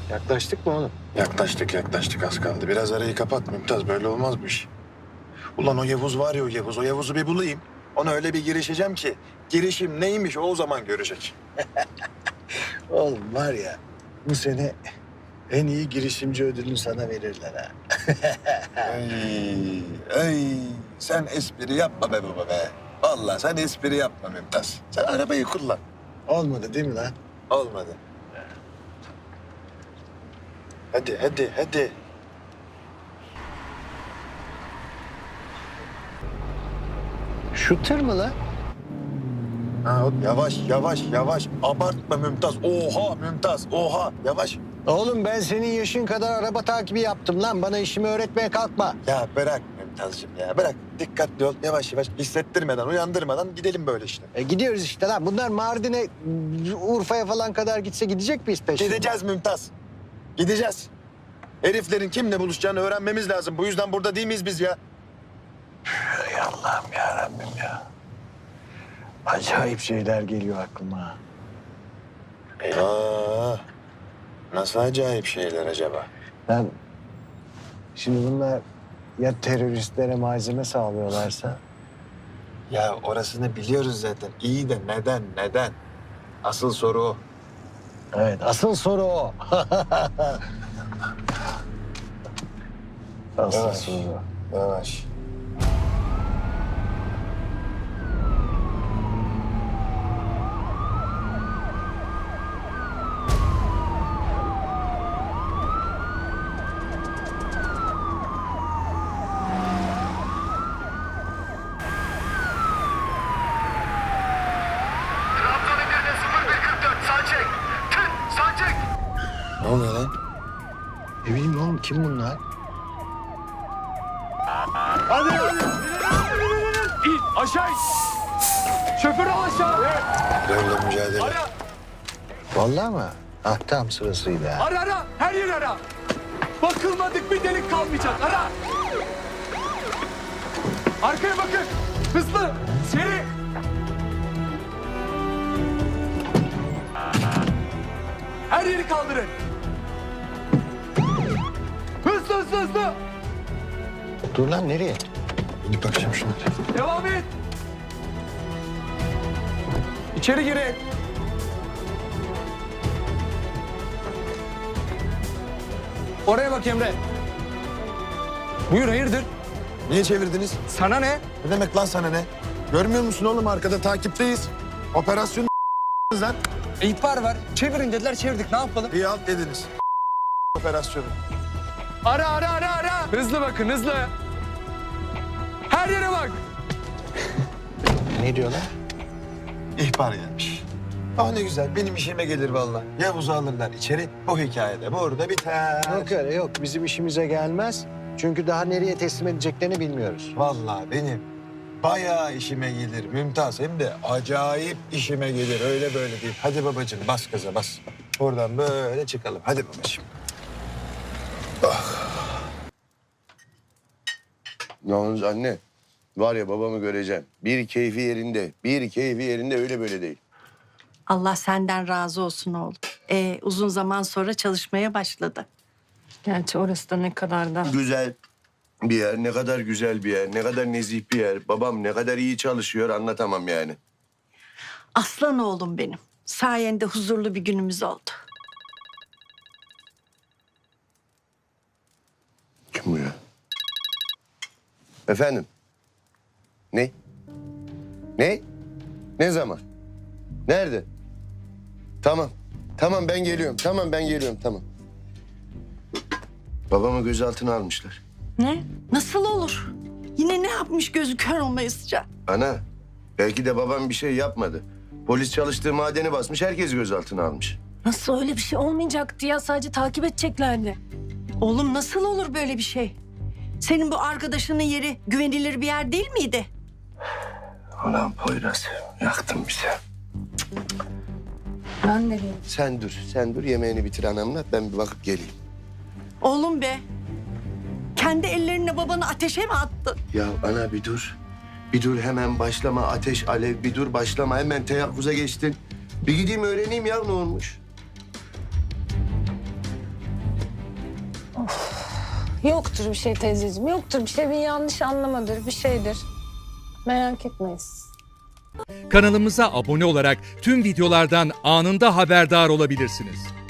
Yaklaştık mı oğlum? Yaklaştık az kaldı. Biraz arayı kapat Mümtaz, böyle olmaz bu iş. Ulan o Yavuz var ya, o Yavuz'u bir bulayım. Ona öyle bir girişeceğim ki girişim neymiş o zaman görecek. Oğlum var ya, bu sene en iyi girişimci ödülünü sana verirler ha. Ay, sen espri yapma be baba be. Vallahi sen espri yapma Mümtaz. Sen arabayı kullan. Olmadı değil mi lan? Olmadı. Hadi. Şu tır mı lan? Ha, yavaş. Abartma Mümtaz. Oha Mümtaz, oha. Yavaş. Oğlum ben senin yaşın kadar araba takibi yaptım lan. Bana işimi öğretmeye kalkma. Ya bırak Mümtaz'cığım ya. Bırak. Dikkatli ol. Yavaş. Hissettirmeden, uyandırmadan gidelim böyle işte. Gidiyoruz işte lan. Bunlar Mardin'e, Urfa'ya falan kadar gitse gidecek miyiz peşinden? Gideceğiz Mümtaz. Gideceğiz. Heriflerin kimle buluşacağını öğrenmemiz lazım. Bu yüzden burada değil miyiz biz ya? Ey Allah'ım ya Rabbim ya. Acayip şeyler geliyor aklıma. Eyvah. Nasıl acayip şeyler acaba? Ben şimdi bunlar ya teröristlere malzeme sağlıyorlarsa? Ya orasını biliyoruz zaten. İyi de neden? Asıl soru o. Evet, asıl soru o. Asıl Yavaş. soru. Yavaş. Trabzon Edirne 0144 sağ çek. Sağ çek. Ne oluyor lan? Ne bileyim oğlum, kim bunlar? İn aşağı in. Şoförü al aşağı. Terörle mücadele. Ara Vallahi mı? Ah, tam sırasıydı ha. ara her yer ara. Bakılmadık bir delik kalmayacak ara. Arkaya bakın. Hızlı. Seri. Her yeri kaldırın. Hızlı. Dur lan, nereye? Gidip bakacağım şuna. Devam et. İçeri girin. Oraya bak Emre. Buyur hayırdır? Niye çevirdiniz? Sana ne? Ne demek lan sana ne? Görmüyor musun oğlum, arkada takipteyiz. Operasyon lan. İhbar var. Çevirin dediler çevirdik ne yapalım? İyi alt dediniz. Operasyonu. Ara. Hızlı bakın hızlı. Her yere bak. Ne diyorlar? İhbar gelmiş. Ah ne güzel, benim işime gelir vallahi. Yavuz'u alırlar içeri, bu hikayede burada biter. Yok öyle yok. Bizim işimize gelmez. Çünkü daha nereye teslim edeceklerini bilmiyoruz. Vallahi benim bayağı işime gelir Mümtaz. Hem de acayip işime gelir, öyle böyle değil. Hadi babacığım, bas gaza bas. Buradan böyle çıkalım. Hadi babacığım. Yalnız anne, var ya babamı göreceğim. Bir keyfi yerinde öyle böyle değil. Allah senden razı olsun oğlum. Uzun zaman sonra çalışmaya başladı. Gerçi orası da ne kadar da. Güzel bir yer, ne kadar güzel bir yer, ne kadar nezih bir yer. Babam ne kadar iyi çalışıyor anlatamam yani. Aslan oğlum benim. Sayende huzurlu bir günümüz oldu. Kim bu ya? Efendim? Ne? Ne? Ne zaman? Nerede? Tamam. Tamam ben geliyorum. Tamam. Babamı gözaltına almışlar. Ne? Nasıl olur? Yine ne yapmış gözü kör olmayısıca? Ana, belki de babam bir şey yapmadı. Polis çalıştığı madeni basmış, herkes gözaltına almış. Nasıl öyle bir şey olmayacaktı ya? Sadece takip edeceklerdi. Oğlum nasıl olur böyle bir şey? Senin bu arkadaşının yeri güvenilir bir yer değil miydi? Ulan Poyraz, yaktın bizi. Ben de değilim. Sen dur, yemeğini bitir anamla, ben bir bakıp geleyim. Oğlum be. Kendi ellerinle babanı ateşe mi attın? Ya ana bir dur. Bir dur hemen başlama ateş alev, bir dur başlama hemen teyakkuza geçtin. Bir gideyim öğreneyim ya ne olmuş. Yoktur bir şey teyzeciğim. Yoktur bir şey. Bir yanlış anlamadır. Bir şeydir. Merak etmeyiz. Kanalımıza abone olarak tüm videolardan anında haberdar olabilirsiniz.